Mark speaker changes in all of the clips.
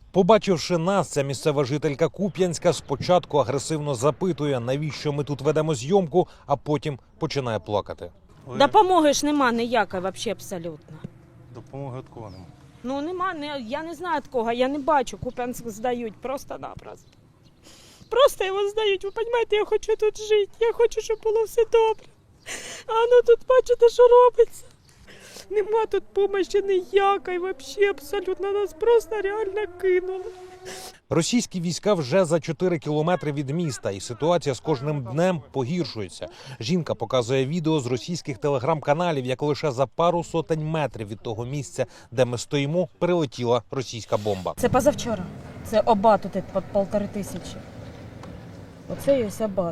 Speaker 1: Побачивши нас, ця місцева жителька Куп'янська спочатку агресивно запитує, навіщо ми тут ведемо зйомку, а потім починає плакати.
Speaker 2: Допомоги ж нема ніякої взагалі абсолютно.
Speaker 3: Допомоги від кого нема?
Speaker 2: Ну нема, я не знаю від кого, я не бачу, Куп'янськ здають просто-напросто. Просто його здають, ви розумієте, я хочу тут жити, я хочу, щоб було все добре. А ну тут бачите, що робиться. Нема тут допомоги ніякої, взагалі абсолютно, нас просто реально кинули.
Speaker 1: Російські війська вже за 4 кілометри від міста, і ситуація з кожним днем погіршується. Жінка показує відео з російських телеграм-каналів, як лише за пару сотень метрів від того місця, де ми стоїмо, прилетіла російська бомба.
Speaker 2: Це позавчора, це Обат тут під 1500. Оце є Обат.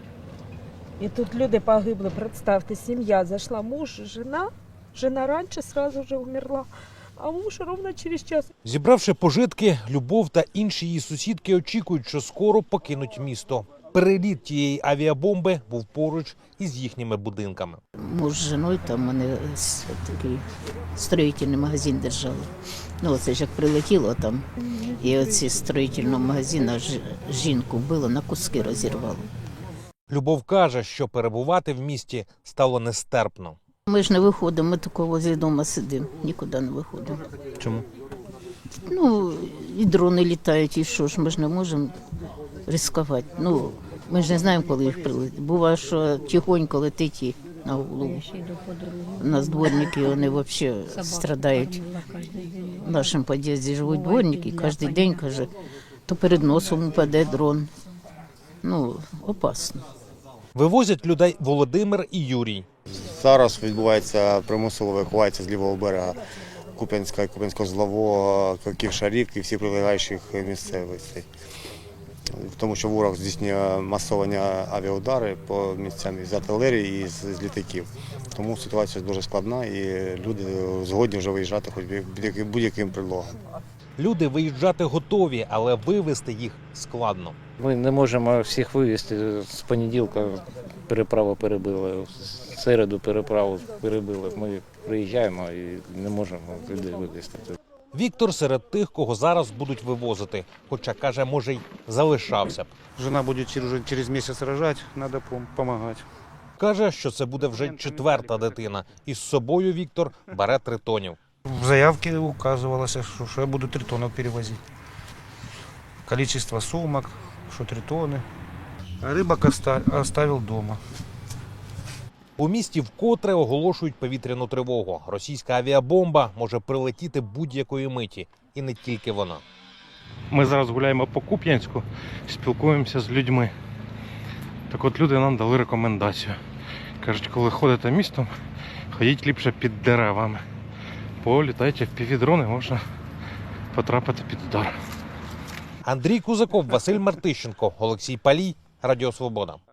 Speaker 2: І тут люди погибли, представте, сім'я зайшла, муж, жена раніше одразу вже вмерла, а муж ровно через час.
Speaker 1: Зібравши пожитки, Любов та інші її сусідки очікують, що скоро покинуть місто. Переліт тієї авіабомби був поруч із їхніми будинками.
Speaker 4: Муж з жіною, там вони такий строїтельний магазин держали. Ну, оце ж як прилетіло там, і оці строїтельного магазину жінку вбило, на куски розірвало.
Speaker 1: Любов каже, що перебувати в місті стало нестерпно.
Speaker 4: Ми ж не виходимо, ми тільки возле дому сидимо, нікуди не виходимо.
Speaker 1: Чому?
Speaker 4: Ну, і дрони літають, і що ж, ми ж не можемо ризикувати. Ну, ми ж не знаємо, коли їх прилетить. Буває, що тихонько летить і на голову. У нас дворники, вони взагалі страдають. В нашому під'їзді живуть дворники, кожен день, каже, то перед носом упаде дрон. Ну, опасно.
Speaker 1: Вивозять людей Володимир і Юрій.
Speaker 3: Зараз відбувається примусова евакуація з лівого берега Куп'янська, Куп'янсько-Злово, Ківшарік і всі прилегаючих місцевостей. Тому що ворог здійснює масовані авіаудари по місцям із артилерії і з літаків. Тому ситуація дуже складна і люди згодні вже виїжджати хоч будь-яким предлогом.
Speaker 1: Люди виїжджати готові, але вивезти їх складно.
Speaker 5: Ми не можемо всіх вивезти. З понеділка переправу перебили, в середу переправу перебили. Ми приїжджаємо і не можемо людей вивезти.
Speaker 1: Віктор серед тих, кого зараз будуть вивозити, хоча, каже, може й залишався б.
Speaker 3: Жена буде через місяць рожати, треба допомагати.
Speaker 1: Каже, що це буде вже 4-та дитина. І з собою Віктор бере 3 тонів.
Speaker 6: В заявке указывалось, что я буду 3 тонны перевозить. Количество сумок, что 3 тонны. А рыбок оставил дома.
Speaker 1: У місті вкотре оголошують повітряну тривогу. Російська авіабомба може прилетіти будь-якої миті. І не тільки вона.
Speaker 7: Ми зараз гуляємо по Куп'янську, спілкуємося з людьми. Так от люди нам дали рекомендацію. Кажуть, коли ходите містом, ходіть ліпше під деревами. Бо літаючи впівдрони, можна потрапити під удар.
Speaker 1: Андрій Кузаков, Василь Мартищенко, Олексій Палій, Радіо Свобода.